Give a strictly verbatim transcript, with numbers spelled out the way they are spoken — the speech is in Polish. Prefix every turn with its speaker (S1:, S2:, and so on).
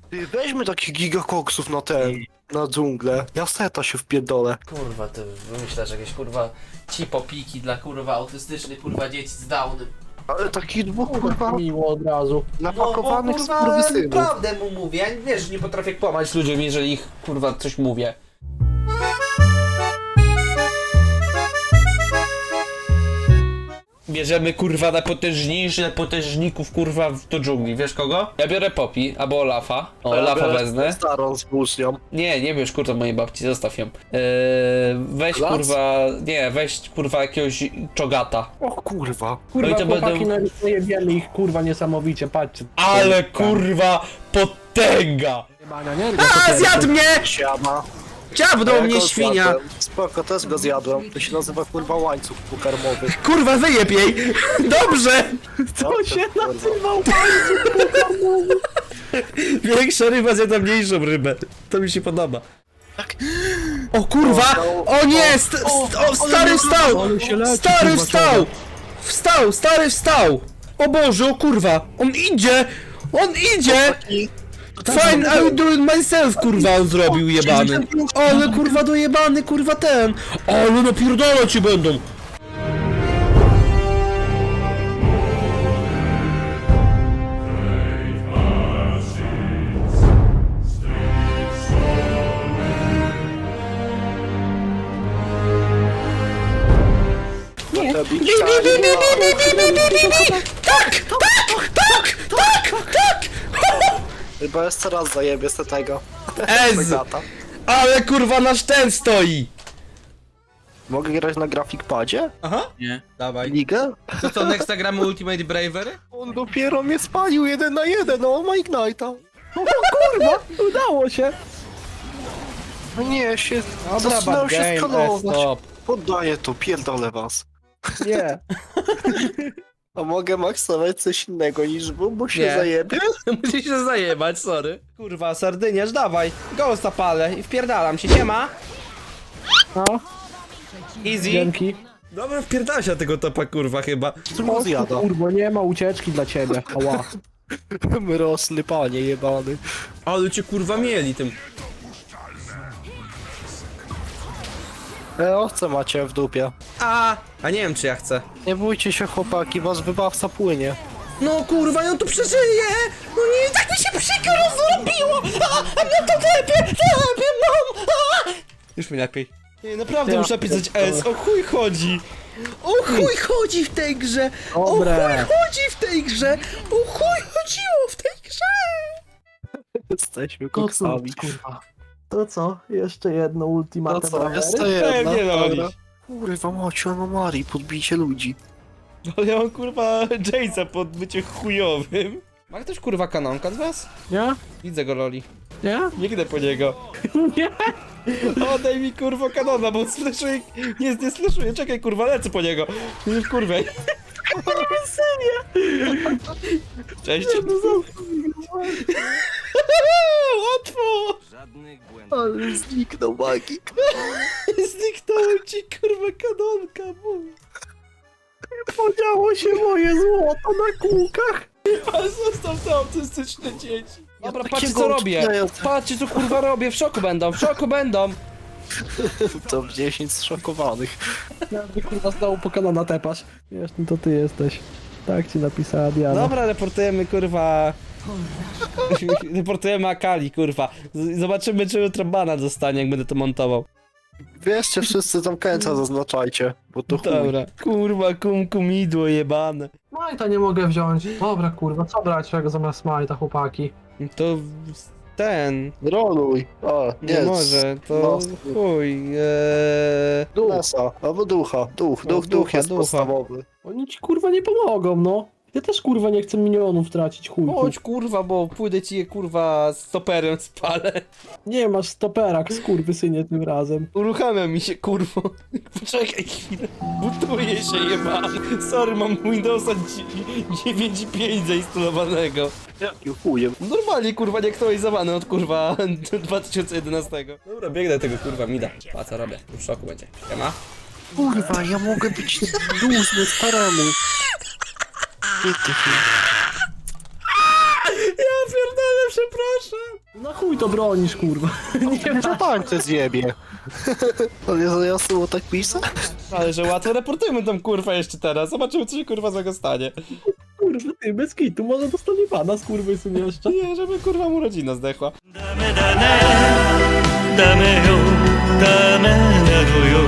S1: Ty, weźmy takich gigakoksów na ten, na dżunglę. Ja seta się wpierdolę.
S2: Kurwa, ty wymyślasz jakieś kurwa cipopiki dla kurwa autystycznych kurwa dzieci z Downem.
S1: Ale takich dwóch kurwa
S3: Miło od razu.
S1: napakowanych
S2: no,
S1: skurwysynów.
S2: prawdę mu mówię, ja wiesz, nie potrafię kłamać ludziom, jeżeli ich kurwa coś mówię. Bierzemy kurwa najpotężniejszy najpotężników kurwa w- do dżungli, wiesz kogo? Ja biorę Poppy, albo Olafa. O,
S1: Ja
S2: Olafa
S1: biorę
S2: wezmę.
S1: Starą z włócznią.
S2: Nie, nie bierz kurwa mojej babci, zostaw ją. Eee, weź
S1: Las?
S2: kurwa, nie, weź kurwa jakiegoś czogata.
S1: O kurwa.
S3: Kurwa,
S2: No i to
S3: chłopaki,
S2: będą-
S3: będą... no jebiemy ich kurwa niesamowicie, patrzcie.
S2: Ale kurwa potęga!
S3: Jebania, nie?
S2: A, zjadł mnie!
S1: Siama.
S2: Dziabnął
S1: Ja
S2: mnie
S1: go
S2: świnia!
S1: zjadłem. Spoko, też go zjadłem. To się nazywa kurwa łańcuch pokarmowy.
S2: Kurwa, wyjeb jej! Dobrze!
S1: To
S3: się nazywał
S2: Większa ryba zjada mniejszą rybę. To mi się podoba. O kurwa! O nie! St st o, stary wstał!
S3: Ale się leci,
S2: Stary
S3: kurwa,
S2: wstał!
S3: człowiek.
S2: Wstał! Stary wstał! O Boże, o kurwa! On idzie! On idzie! Fine, I will do it myself, kurwa, on zrobił jebany. Ale kurwa dojebany, kurwa ten. Ale napierdolę ci będą.
S1: Nie.
S2: Tak, tak, tak, tak, tak.
S1: Chyba jeszcze raz zajebie z tego.
S2: Ez! Ale kurwa nasz ten stoi.
S1: Mogę grać na grafikpadzie?
S2: Aha.
S4: Nie, dawaj.
S1: Ligę?
S4: To co, next gramy Ultimate Bravery?
S1: On dopiero mnie spalił jeden na jeden, no ma Ignite'a.
S3: Kurwa, udało się.
S1: No nie, się...
S3: Dobra,
S1: zaczynają
S3: bad
S1: się
S3: game,
S1: skalować.
S3: stop.
S1: Poddaję to, pierdolę was.
S3: Nie.
S1: A mogę maksować coś innego niż wy, bo się
S2: Nie.
S1: zajebie?
S2: Musisz się zajebać, sorry. Kurwa, sardyniarz, dawaj. Ghosta palę i wpierdalam się, siema.
S3: No,
S2: Easy.
S3: dzięki.
S2: Dobra, wpierdalam się na tego topa, kurwa, chyba.
S1: Co go zjada?
S3: Kurwa, nie ma ucieczki dla ciebie. Ała.
S1: Mrosny panie jebany.
S2: Ale cię kurwa mieli tym.
S1: E, owce macie w dupie.
S2: A, a nie wiem czy ja chcę.
S1: Nie bójcie się chłopaki, wasz wybawca płynie.
S2: No kurwa, on tu przeżyje! No nie, tak mi się przykro zrobiło! A, a mnie to lepiej, lepiej, mam! A! Już mi lepiej. Nie, naprawdę
S1: Ja
S2: muszę napisać S, o chuj chodzi! O chuj chodzi w tej grze! O chuj
S3: Dobre.
S2: chodzi w tej grze! O chuj chodziło w tej grze!
S1: Jesteśmy
S3: To co,
S1: koksami.
S3: kurwa. To co? Jeszcze jedno
S1: No
S3: ultimatum.
S1: co, jeszcze
S2: Pewnie
S1: jedna?
S2: lolisz.
S1: Dobra. Kurwa macie anomalii, podbicie ludzi.
S2: Ale ja mam kurwa Jace'a pod bycie chujowym. Ma ktoś kurwa kanonka z was?
S3: Nie?
S2: Widzę go loli.
S3: Nie?
S2: Biegnę po niego.
S3: Nie?
S2: Oddaj mi kurwa kanona, bo slashuje. Nie, nie slashuje, czekaj kurwa, lecę po niego. Nie kurwa. Cześć. Łatwo!
S1: Ale zniknął magik.
S2: Zniknąłem ci kurwa kanonka, mój.
S3: Podziało się moje złoto na kółkach.
S2: Ale zostaw te autystyczne dzieci. Dobra, patrzcie
S1: takiego
S2: co robię.
S1: odcinając-
S2: Patrzcie co kurwa robię, w szoku będą, w szoku będą.
S1: To dziesięć zszokowanych.
S3: Ja by kurwa znowu po kanona tepasz. Wiesz, no to ty jesteś. Tak ci napisała Diana.
S2: Dobra, reportujemy kurwa. Reportujemy Akali, kurwa. Z- Zobaczymy, czy jutro bana dostanie, jak będę to montował.
S1: Wierzcie, wszyscy tam końca zaznaczajcie, bo to chuj.
S2: Dobra. Kurwa, kum kumidło jebane.
S3: Smajta nie mogę wziąć. Dobra kurwa, co brać czego zamiast Smajta, chłopaki?
S2: To w- ten.
S1: Roluj. O,
S2: Nie,
S1: nie.
S2: może, to
S1: no,
S2: chuj. Eee...
S1: Nesa, albo ducha. Duch,
S2: No,
S1: duch, duch
S2: ducha,
S1: jest
S2: ducha.
S1: podstawowy.
S3: Oni ci kurwa nie pomogą, no. Ja też kurwa nie chcę milionów tracić, chujku.
S2: Chodź kurwa, bo pójdę ci je kurwa stoperem spalę.
S3: Nie masz stoperak, skurwysynie tym razem.
S2: Uruchamia mi się kurwo. Poczekaj chwilę. Butuje się jebany. Sorry, mam Windowsa dziewięć pięć zainstalowanego.
S1: Jakim chujem.
S2: Normalnie kurwa nie aktualizowany od kurwa dwa tysiące jedenastego. Dobra, biegnę tego kurwa mida. A co robię? W szoku będzie. Siema.
S1: Kurwa, ja mogę być dłużny staremu. Ty, ty, ty.
S2: Ja pierdolę, przepraszam.
S3: Na chuj to bronisz, kurwa. Nie
S1: Co tańce zjebie? To nie za jasno było tak pisać?
S2: Ale że łatwo, reportujmy tą kurwę jeszcze teraz. Zobaczymy, co się kurwa złego stanie.
S3: kurwa, ty, bez kitu, może dostanie pana z kurwy syn jeszcze.
S2: Nie, żeby kurwa mu rodzina zdechła.
S5: ダメだねダメよダメなのよ